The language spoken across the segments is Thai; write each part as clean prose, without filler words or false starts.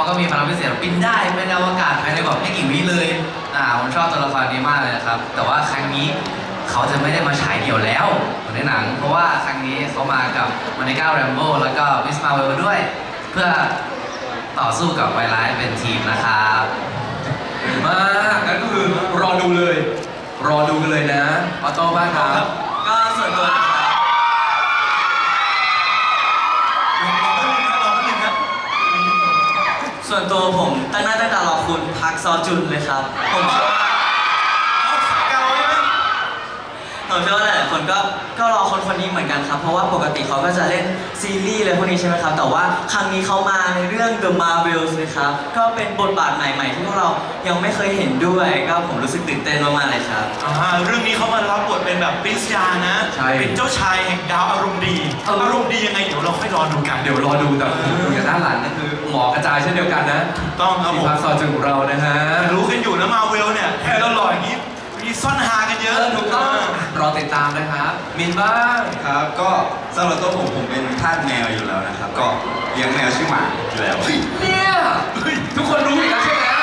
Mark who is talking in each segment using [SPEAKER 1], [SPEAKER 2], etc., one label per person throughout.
[SPEAKER 1] ก็มีพลังพิเศษบินได้ไปในอวกาศภายในแบบไม่กี่วิเลยผมชอบตัวละครนี้มากเลยนะครับแต่ว่าครั้งนี้เขาจะไม่ได้มาฉายเดี่ยวแล้วเหมือนในหนังเพราะว่าครั้งนี้เขามากับมานิก้าแรมโบ้แล้วก็มิสมาเวลด้วยเพื่อต่อสู้กับไวรัสเป็นทีมนะครับ
[SPEAKER 2] มากงั้นก็คือรอดูเลยรอดูกันเลยนะออโต้บ้างครับ
[SPEAKER 3] ก็ส่วนตัวส่วนตัวผมตั้งหน้าตั้งตารอคุณพักซอจุนเลยครับผมเชื่อว่าหลายๆคนก็รอคนนี้เหมือนกันครับเพราะว่าปกติเขาก็จะเล่นซีรีส์อะไรพวกนี้ใช่ไหมครับแต่ว่าครั้งนี้เขามาในเรื่อง The Marvels นะครับก็เป็นบทบาทใหม่ๆที่พวกเรายังไม่เคยเห็นด้วยก็ผมรู้สึกตื่นเต้นมากๆเลยครับ
[SPEAKER 4] เรื่องนี้เขามารับบทเป็นแบบปรินซ์ยานะเป็นเจ้าชายแห่งดาวอารมณ์ดีอารมณ์ดียังไงเดี๋ยวเราค่อยรอดูกัน
[SPEAKER 2] เดี๋ยวรอดูแต่ดูจากด้านหลังนั่นคือหมอกระจายเช่นเดียวกันนะ
[SPEAKER 4] ต้องครับผม
[SPEAKER 2] พักซอจุนของเรานะฮะ
[SPEAKER 4] รู้กันอยู่นะมาเวลเนี่ยแค่เราหล่ออย่างนี้มีซ่อนฮากันเยอะ
[SPEAKER 2] ถูกต้องรอติดตามนะครับมินบ้าง
[SPEAKER 5] ครับก็สำหรับตัวผมเป็นทาสแมวอยู่แล้วนะครับก็เลี้ยงแมวชื่อหมาอยู่แล้ว
[SPEAKER 2] เนี่ยทุกคนรู้อีกแล้วใช่ไหม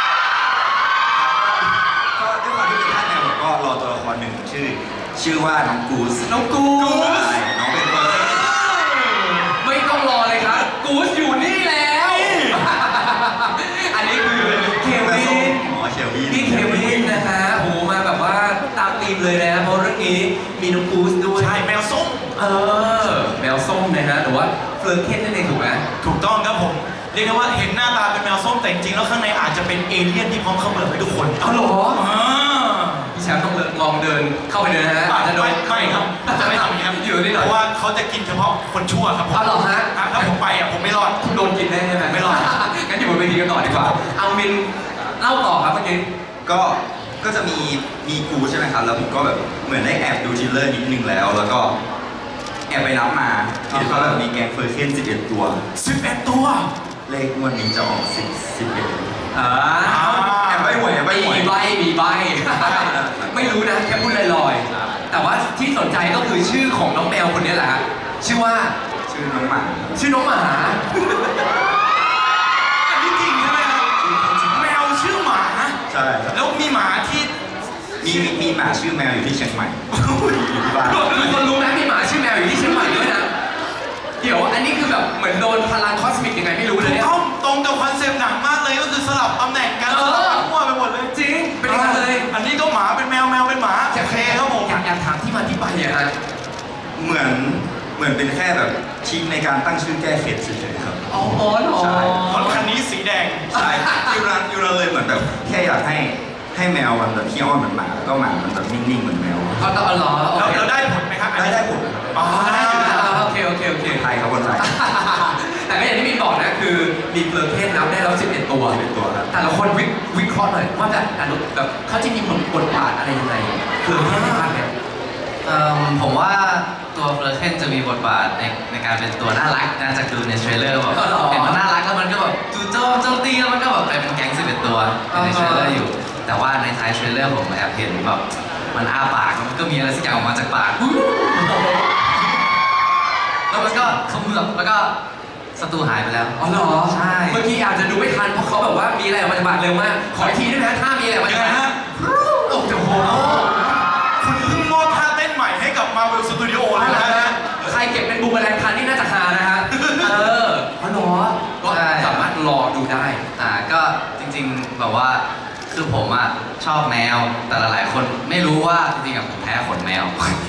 [SPEAKER 5] ก็ด้วยความที่เป็นทาสแมวผมก็รอตัวละครหนึ่งชื่อว่าน้องกูส
[SPEAKER 2] น้องกูส
[SPEAKER 5] น้องเป็นเฟิร์ส
[SPEAKER 2] ไม่ต้องรอเลยครับกูสอยู่นี่แล้วอันนี้คือเควินนี่เควินนะฮะโหมาแบบว่าตามธีมเลยนะเพราะเรื่องนี้มีน้องกูสด้วย
[SPEAKER 4] ใช่แมวส้ม
[SPEAKER 2] แมวส้มนะฮะหรือว่าเฟลอร์เคนนั่นเองถูกไหม
[SPEAKER 4] ถูกต้องครับผมเรียกได้ว่าเห็นหน้าตาเป็นแมวส้มแต่จริงๆแล้วข้างในอาจจะเป็นเอเลี่ยนที่พร้อมเข้าเมืองให้ทุกคน
[SPEAKER 2] เอาหรอพี่แชมป์ต้องลองเดินเข้าไปเดินนะฮะ
[SPEAKER 4] อาจจะโดนไม่ครับจะไม่ทำอย่างนี้ครับ
[SPEAKER 2] อยู่นี่หน่อย
[SPEAKER 4] เพราะว่าเขาจะกินเฉพาะคนชั่วครับผม
[SPEAKER 2] เอาหรอฮะ
[SPEAKER 4] ถ้าผมไปผมไม่รอด
[SPEAKER 2] โดนกินแน่ใช่ไหม
[SPEAKER 4] ไม่รอด
[SPEAKER 2] งั้นอยู่บนเวทีกันต่อดีกว่าเอามินเล่าต่อครับเมื่อกี้
[SPEAKER 5] ก็จะมีกูใช่ไหมครับแล้วผมก็แบบเหมือนได้แอบดูทีเลอร์นิดนึงแล้วก็แอบไปนับมาเห็นว่าแบบมีแกงเฟอร์เคน11 ตัว
[SPEAKER 4] 11 ตัว
[SPEAKER 5] เลขงวดนี้จะออก11แอบใบหวย
[SPEAKER 2] มีใบไม่รู้นะแค่พูดลอยๆแต่ว่าที่สนใจก็คือชื่อของน้องแมวคนนี้แหละชื่อ
[SPEAKER 5] น้องหมา
[SPEAKER 4] อันนี้จริงใช่ไหมครับแมวชื่อหมา
[SPEAKER 5] ใช่
[SPEAKER 4] แล้วมีหมาที่
[SPEAKER 5] มีหมาชื่อแมวอยู่ที่เชียงใหม่อยู่ที่บ้าน
[SPEAKER 2] ทุกคนรู้ไหมมีหมาชื่อแมวอยู่ที่เชียงใหม่ด้วยนะเดี๋ยวอันนี้คือแบบเหมือนโดนพลังคอสมิกยังไงไม่รู้เลยเนี่ย
[SPEAKER 4] ตรงกับคอนเซปต์หนังมากเลยก็คือสลับตำแหน่งกันสลับมั่วไปหมดเลย
[SPEAKER 2] จริงเป็นอย่างนั้นเลย
[SPEAKER 4] อันนี้ก็หมาเป็นแมวเป็นหมา
[SPEAKER 2] โอเคครับผมอยากถามที่มาที่ไปเนี่ยฮะ
[SPEAKER 5] เหมือนเป็นแค่แบบชิงในการตั้งชื่อแก้เข็ดเฉยๆครับ
[SPEAKER 2] อ๋อ
[SPEAKER 5] ใช่
[SPEAKER 4] รถคันนี้สีแดง
[SPEAKER 5] ใช่ยูรันเลยเหมือนแบบแค่อยากให้แมวมันแบบขี้อ้อนเหมือนหมาแล้วก็หมามันแบบนิ่งๆเหมือนแมว
[SPEAKER 2] อ๋อเหรอ
[SPEAKER 4] เราได้ผลไหมครับ
[SPEAKER 5] ได้ผล
[SPEAKER 4] อ๋อได้อยู่นะ
[SPEAKER 2] โอเค
[SPEAKER 5] ไทยครับคนไทย
[SPEAKER 2] แต่ก็อย่างที่มินบอกนะคือมีเฟลอร์เคนนับได้แล้ว11 ตัว
[SPEAKER 5] ครับ
[SPEAKER 2] แต่ละคนวิเคราะห์หน่อยว่าแบบเขาจะมีบทบาทอะไรยังไงเฟลอร์เคนในภาคเนี่ย
[SPEAKER 1] ผมว่าตัวเฟลอร์เคนจะมีบทบาทในการเป็นตัวน่ารักนะจากดูในเทรลเลอร์แบบเห็นมันน่ารักแล้วมันก็แบบจู่โจมตีแล้วมันก็แบบไปเป็นแก๊ง11 ตัวในเทรลเลอร์อยู่แต่ว่าในท้ายเทรลเลอร์ผมแอบเห็นแบบมันอ้าปากมันก็มีอะไรสักอย่างออกมาจากปากแล้วมันก็เขมือบแล้วก็ศัตรูหายไปแล้ว
[SPEAKER 2] อ๋อเหรอ
[SPEAKER 1] ใช่
[SPEAKER 2] เมื่อกี้อาจจะดูไม่ทันเพราะเขาแบบว่ามีอะไรออกมาจากปากเร็วมากขออีกทีได้ไหมถ้ามีอะไรออกมาจากปากโอ้โห
[SPEAKER 4] คุณเพิ่งมอบท่าเต้นใหม่ให้กับ Marvel Studio เลยนะ
[SPEAKER 2] ใครเก็บเป็นบูมแมลงทันนี่น่าจะฮานะฮะอ๋อเหรอก็สามารถรอดูได้
[SPEAKER 1] ก็จริงๆแบบว่าคือผมชอบแมวแต่หลายๆคนไม่รู้ว่าจริงๆผมแพ้ขนแมว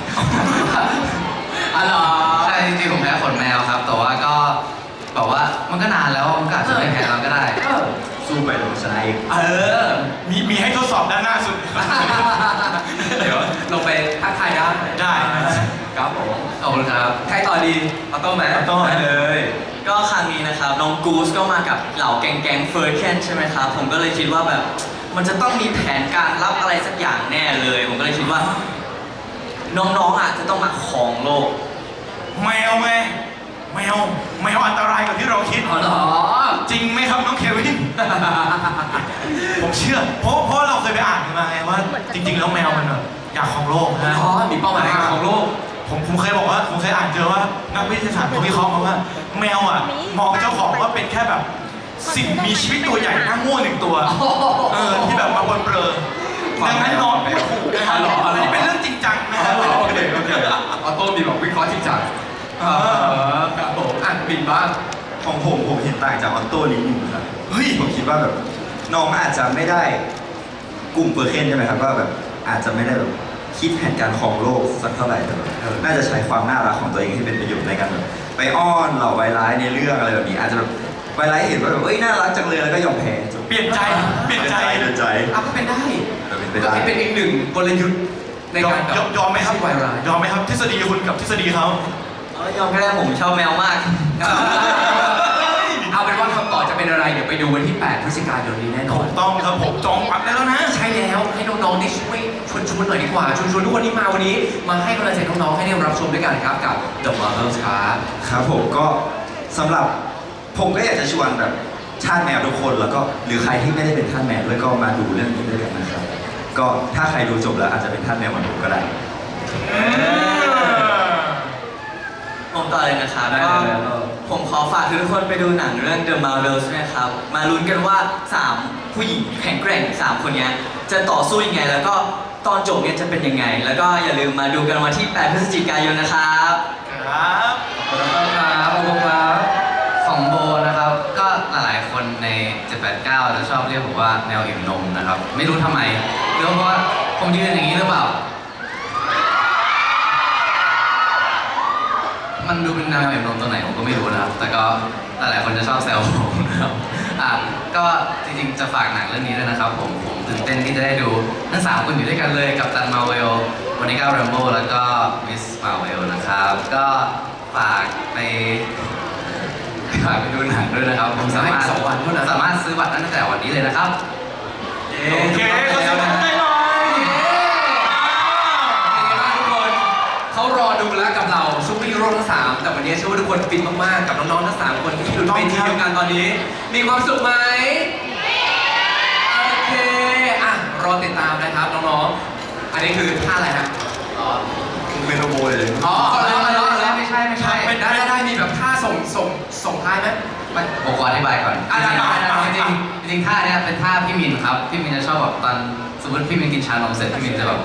[SPEAKER 2] อ๋อเหรอ
[SPEAKER 1] ใช่จริงๆผมแพ้ขนแมวครับแต่ว่าก็แบบว่ามันก็นานแล้วมันก็อาจจะไม่แพ้เราก็ได้
[SPEAKER 5] สู้ไปลงชนะอีก
[SPEAKER 4] มีให้ทดสอบด้านหน้าสุด
[SPEAKER 2] เดี๋ยวลงไปทักทาย
[SPEAKER 4] ได้
[SPEAKER 2] ครับผม
[SPEAKER 1] ขอบคุณครับ
[SPEAKER 2] ใครต่อดีออโต้ไหม
[SPEAKER 4] ออโต้
[SPEAKER 2] เลย
[SPEAKER 3] ก็ครั้งนี้นะครับน้องกูสก็มากับเหล่าแก๊งเฟอร์เคนใช่ไหมครับผมก็เลยคิดว่าแบบมันจะต้องมีแผนการรับอะไรสักอย่างแน่เลยผมก็เลยคิดว่าน้องๆจะต้องมาครองโลก
[SPEAKER 4] แมวอันตรายกว่าที่เราคิด
[SPEAKER 2] อ๋อเหรอ
[SPEAKER 4] จริงไหมครับน้องเควินผมเชื่อเพราะเราเคยไปอ่านมาไงว่าจริงๆแล้วแมวมันอยากครองโลกนะ
[SPEAKER 2] มีเป้าหมายครองโลก
[SPEAKER 4] ผมเคยบอกว่าผมเคยอ่านเจอว่านักวิทยาศาสตร์เขาวิเคราะห์มาว่าแมวมองเจ้าของว่าเป็นแค่แบบสิ่งมีชีวิตตัวใหญ่หน้าโง่หนึ่งตัวที่แบบมาบนเบลอดังนั้นนอนไม่ถูกนะครับอันนี้เป็นเรื่องจริงจังนะครับ
[SPEAKER 2] โอเคออโต้มีแบบวิเคราะห์จริงจังครับผมอ่ะบินบ้าง
[SPEAKER 5] ของผมเห็นต่างจากออโต้นิดนึงครับเฮ้ยผมคิดว่าแบบน้องอาจจะไม่ได้กลุ่มเปอร์เซ็นต์ใช่ไหมครับว่าแบบอาจจะไม่ได้แบบคิดแผนการครองโลกสักเท่าไหร่แต่แบบน่าจะใช้ความน่ารักของตัวเองให้เป็นประโยชน์ในการแบบไปอ้อนเหล่าไวร้ายในเรื่องอะไรแบบนี้อาจจะแบบไวร้ายเห็นว่าแบบเอ้ยน่ารักจังเลยแล้วก็ยอมแพ้จบ
[SPEAKER 4] เปลี่ยนใจเปลี่ยนใจ
[SPEAKER 5] เดินใจ
[SPEAKER 2] อ่ะก็เป็นได้
[SPEAKER 5] เป็นไป
[SPEAKER 2] ก็
[SPEAKER 5] ได้
[SPEAKER 2] เป็นอีกหนึ่งกลยุทธ์ในการแบบ
[SPEAKER 4] ยอมไหมครับ
[SPEAKER 2] ไวรัล
[SPEAKER 4] ยอมไหมครับทฤษฎีคุณกับทฤษฎีเขา
[SPEAKER 3] ยอมก็ได้ผมชอบแมวมาก
[SPEAKER 2] เอาเป็นว่าคำตอบจะเป็นอะไร เดี๋ยวไปดูวันที่ 8 พฤศจิกายนนี้แน่นอ
[SPEAKER 4] ถู
[SPEAKER 2] น
[SPEAKER 4] กต้องครับผมจองปัดได้แล้วนะ
[SPEAKER 2] ใช่แล้วให้น้องๆได้ช่วยชวนหน่อยดีกว่าชวนทุกคนที่มาวันนี้ มาให้กำลังใจน้องๆให้ได้รับชมด้วยกันครับกับ The Marvels ครับ
[SPEAKER 5] ครับผมก็สำหรับผมก็อยากจะชวนแบบชาติแมวทุกคนแล้วก็หรือใครที่ไม่ได้เป็นทาสแมวด้วยก็มาดูเรื่องนี้ด้วยกันนะครับก็ถ้าใครดูจบแล้วอาจจะเป็นทาสแมวเหมือนผมก็ได้
[SPEAKER 3] ผมต่อเลยนะครับ
[SPEAKER 2] ได้
[SPEAKER 3] ก็
[SPEAKER 2] เลย
[SPEAKER 3] ผมขอฝากทุกคนไปดูหนังเรื่อง The Marvels นะครับ มาลุ้นกันว่า 3 ผู้หญิงแข็งแกร่ง 3 คนเนี้ยจะต่อสู้ยังไง แล้วก็ตอนจบเนี่ยจะเป็นยังไง แล้วก็อย่าลืมมาดูกันวันที่ 8 พฤศจิกายนนะครับ
[SPEAKER 4] ครับ
[SPEAKER 1] ขอบคุณครับขอบคุณครับของโบนะครับ ก็หลายๆคนใน 789 จะชอบเรียกผมว่าแมวอิ่มนมนะครับ ไม่รู้ทำไมหรือเพราะว่าผมยืนอย่างนี้หรือเปล่า มันดูเป็นแมวอิ่มนมตัวไหนผมก็ไม่รู้นะครับ แต่ก็หลายๆคนจะชอบแซวผมนะครับก็จริงๆจะฝากหนังเรื่องนี้ด้วยนะครับผมตื่นเต้นที่จะได้ดูทั้ง3คนอยู่ด้วยกันเลยกับตันมาเวลโมนิก้าแรมโบ้แล้วก็มิสมาเวลนะครับ ก็ฝากไปดูหนังด้วยนะครับ ผมสามารถ
[SPEAKER 2] 2 วันเท่านั้น
[SPEAKER 1] สามารถซื้อบัตรได้ตั้งแต่วันนี้เลยนะครับ
[SPEAKER 4] โอเคขอเสียงปรบมือให้หน่อย
[SPEAKER 2] เป็นไงบ้างทุกคน เขารอดูแล้วกับเราซุปเปอร์ฮีโร่ทั้ง 3 แต่วันนี้เชื่อว่าทุกคนฟินมากๆ กับน้องๆทั้ง 3 คนที่อยู่ในเวทีเดียวกันตอนนี้ มีความสุขไหมโอเคอ่ะรอติดตามนะครับน้องๆ อันนี้คือท่าอะไรฮะ
[SPEAKER 5] เมโลโบเลย
[SPEAKER 2] อ๋อแล้ว
[SPEAKER 1] ไม่ใช่
[SPEAKER 2] ได้มีแบบท่าส่งท้ายไหมมัน
[SPEAKER 1] ผมขออธิบายก่อน
[SPEAKER 2] อ่ะได้
[SPEAKER 1] จริงท่าเนี้ยเป็นท่าพี่มินครับ พี่มินจะชอบแบบตอนสมมติพี่มินกินชานมเสร็จพี่มินจะแบบ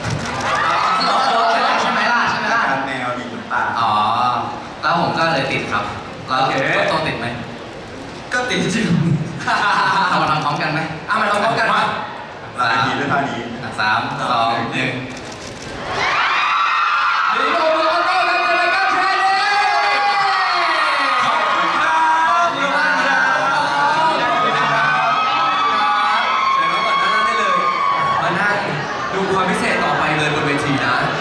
[SPEAKER 1] ใช่ไหมล่ะ
[SPEAKER 5] การแมวดีน้ำตา
[SPEAKER 1] อ๋อ แล้วผมก็เลยติดครับ แล้วโตติดไหม
[SPEAKER 5] ก็ติดจริง
[SPEAKER 1] เรามาทำพร้อมกันไหม
[SPEAKER 2] มาลองพร้อมกันมา
[SPEAKER 5] หลายทีด้วยท่านี้
[SPEAKER 1] 3 2 1
[SPEAKER 2] ดีโอโลโก้และเจริญก้าวแชร์เลย
[SPEAKER 4] ขอบคุณครับขอบคุณครับ
[SPEAKER 2] เชิญน้องก่อนนั่งได้เลย มานั่งดูความพิเศษต่อไปเลยบนเวทีนะ